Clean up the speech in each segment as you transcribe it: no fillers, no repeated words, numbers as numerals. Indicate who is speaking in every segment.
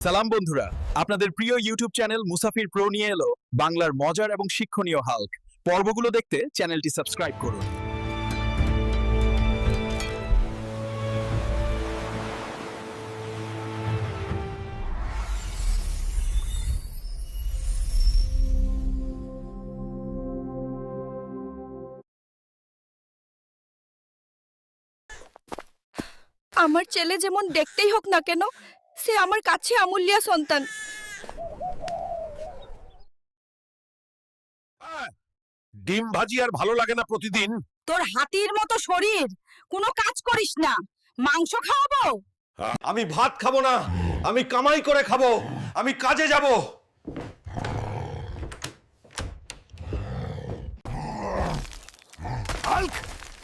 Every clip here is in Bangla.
Speaker 1: সালাম বন্ধুরা, আপনাদের প্রিয় ইউটিউব চ্যানেল মুসাফির প্রো নিয়ে এলো বাংলার মজার এবং শিক্ষণীয় হাল্ক। পর্বগুলো দেখতে চ্যানেলটি সাবস্ক্রাইব করুন।
Speaker 2: আমার ছেলে যেমন দেখতেই হোক না কেন, সে আমার কাছে অমূল্য সন্তান।
Speaker 3: ডিম ভাজি আর ভালো লাগে না প্রতিদিন।
Speaker 2: তোর হাতির মতো শরীর, কোনো কাজ করিস না, মাংস খাওয়াবো?
Speaker 3: আমি ভাত খাবো না, আমি কামাই করে খাবো, আমি কাজে যাব। হাল্ক!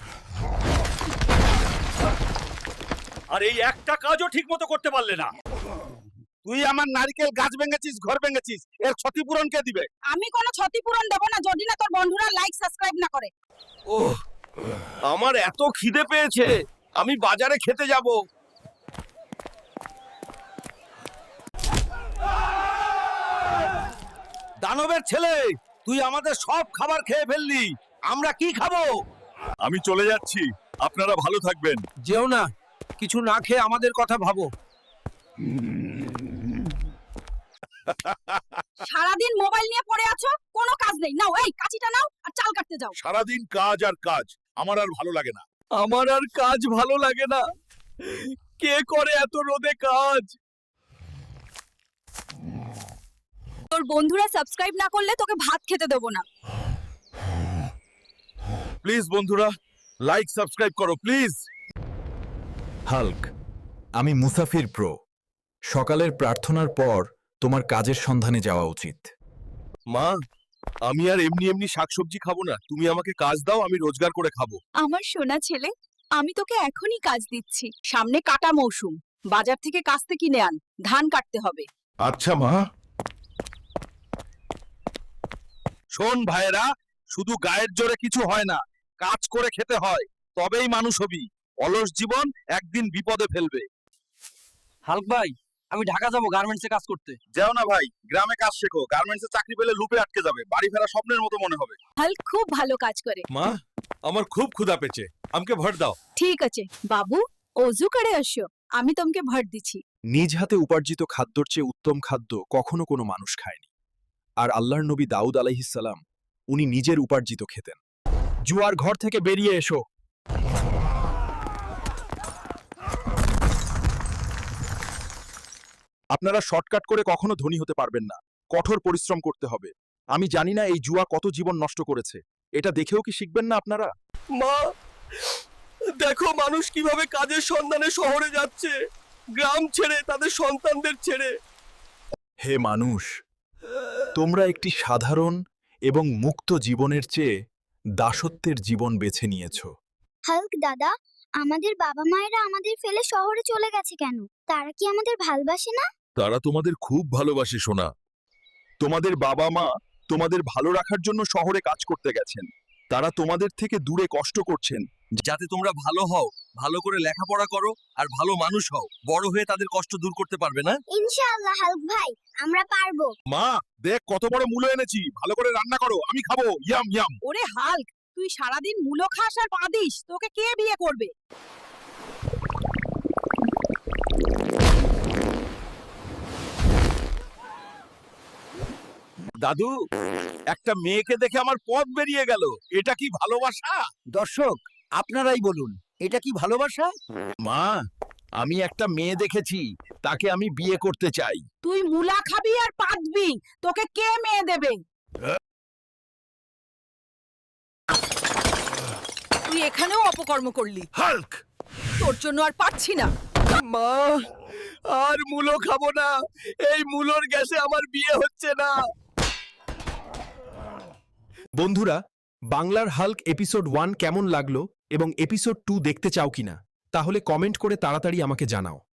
Speaker 3: আর এই একটা কাজও ঠিক মতো করতে পারলে না। তুই আমার নারকেল গাছ ভেঙেছিস, ঘর ভেঙেছিস, এর ক্ষতিপূরণ কে দিবে?
Speaker 2: আমি কোনো ক্ষতিপূরণ দেব না যদি না তোর বন্ধুরা লাইক সাবস্ক্রাইব না করে।
Speaker 3: ওহ, আমার এত খিদে পেয়েছে, আমি বাজারে খেতে যাব। দানবের ছেলে, তুই আমাদের সব খাবার খেয়ে ফেললি, আমরা কি খাবো?
Speaker 1: আমি চলে যাচ্ছি, আপনারা ভালো থাকবেন।
Speaker 4: যেও না, কিছু না খেয়ে আমাদের কথা ভাবো।
Speaker 2: সারাদিন মোবাইল নিয়ে পড়ে আছো, কোনো কাজ নেই। নাও এই কাঁচিটা নাও আর চাল কাটতে যাও।
Speaker 3: সারাদিন কাজ আর কাজ, আমার আর ভালো লাগে না।
Speaker 4: আমার আর কাজ ভালো লাগে না। কে করে এত রোদে কাজ?
Speaker 2: তোর বন্ধুরা সাবস্ক্রাইব না করলে তোকে ভাত খেতে দেব না।
Speaker 3: প্লিজ বন্ধুরা, লাইক সাবস্ক্রাইব করো প্লিজ।
Speaker 1: হাল্ক, আমি মুসাফির প্রো। সকালের প্রার্থনার পর তোমার কাজের সন্ধানে যাওয়া উচিত।
Speaker 3: মা, আমি আর এমনি এমনি শাকসবজি খাবো না, তুমি আমাকে কাজ দাও, আমি রোজগার করে খাবো।
Speaker 2: আমার সোনা ছেলে, আমি তোকে এখনই কাজ দিচ্ছি। সামনে কাটা মৌসুম, বাজার থেকে কাস্তে কিনে আন, ধান কাটতে হবে।
Speaker 3: আচ্ছা মা। শোন ভাইরা, শুধু গায়ের জোরে কিছু হয় না, কাজ করে খেতে হয়, তবেই মানুষ হবি। অলস জীবন একদিন বিপদে ফেলবে।
Speaker 4: হাল্ক ভাই, আমি ঢাকা যাব গার্মেন্টসে কাজ করতে।
Speaker 3: যাও না ভাই, গ্রামে কাজ শেখো, গার্মেন্টসে চাকরি পেলে লুপে আটকে যাবে, বাড়ি ফেরা স্বপ্নের মতো মনে হবে।
Speaker 2: হাল্ক খুব ভালো কাজ করে।
Speaker 3: মা, আমার খুব ক্ষুধা পেয়েছে, আমাকে ভর দাও।
Speaker 2: ঠিক আছে বাবু, অজু করে আসো, আমি তোমাকে ভর দিচ্ছি।
Speaker 1: নিজ হাতে উপার্জিত খাদ্যর চেয়ে উত্তম খাদ্য কখনো কোনো মানুষ খায়নি। আর আল্লাহর নবী দাউদ আলাইহিসসালাম, উনি নিজের উপার্জিত খেতেন। জুয়ার ঘর থেকে বেরিয়ে এসো। আপনারা শর্টকাট করে কখনো ধনী হতে পারবেন না, কঠোর পরিশ্রম করতে হবে। আমি জানি না এই জুয়া কত জীবন নষ্ট করেছে, এটা দেখেও কি শিখবেন না আপনারা?
Speaker 4: মা, দেখো মানুষ কিভাবে কাজের সন্ধানে শহরে যাচ্ছে, গ্রাম ছেড়ে, তাদের সন্তানদের ছেড়ে।
Speaker 1: হে মানুষ, তোমরা একটি সাধারণ এবং মুক্ত জীবনের চেয়ে দাসত্বের জীবন বেছে নিয়েছ।
Speaker 5: হাল্ক দাদা, আমাদের বাবা মায়েরা আমাদের ফেলে শহরে চলে গেছে কেন? তারা কি আমাদের ভালোবাসে না?
Speaker 3: তারা তোমাদের খুব ভালোবাসে সোনা।
Speaker 1: তোমাদের বাবা মা তোমাদের ভালো রাখার জন্য শহরে কাজ করতে গেছেন। তারা তোমাদের থেকে দূরে কষ্ট করছেন
Speaker 3: যাতে তোমরা ভালো হও, ভালো করে লেখাপড়া করো আর ভালো মানুষ হও, বড় হয়ে তাদের কষ্ট দূর করতে পারবে না?
Speaker 5: ইনশাআল্লাহ হাল্ক ভাই, আমরা পারবো।
Speaker 3: মা, দেখ কত বড় মূলো এনেছি, ভালো করে রান্না করো, আমি খাবো। Yam yam.
Speaker 2: ওরে হাল্ক, তুই সারাদিন মূলো খাস আর পাদিস, তোকে কে বিয়ে করবে?
Speaker 3: দাদু, একটা মেয়েকে দেখে আমার পথ বেরিয়ে গেল, এটা কি ভালোবাসা?
Speaker 4: দর্শক, আপনারাই বলুন, এটা কি ভালোবাসা?
Speaker 3: মা, আমি একটা মেয়ে দেখেছি, তাকে আমি বিয়ে করতে চাই।
Speaker 2: তুই মূলা খাবি আর পাদবি, তোকে কে মেয়ে দেবে? তুই এখানেও অপকর্ম করলি,
Speaker 3: হাল্ক!
Speaker 2: তোর জন্য আর পারছি না।
Speaker 4: মা, আর মূলো খাবো না, এই মূলোর গ্যাসে আমার বিয়ে হচ্ছে না।
Speaker 1: বন্ধুরা, বাংলার হাল্ক এপিসোড 1 কেমন লাগলো এবং এপিসোড 2 দেখতে চাও কিনা, তাহলে কমেন্ট করে তাড়াতাড়ি আমাকে জানাও।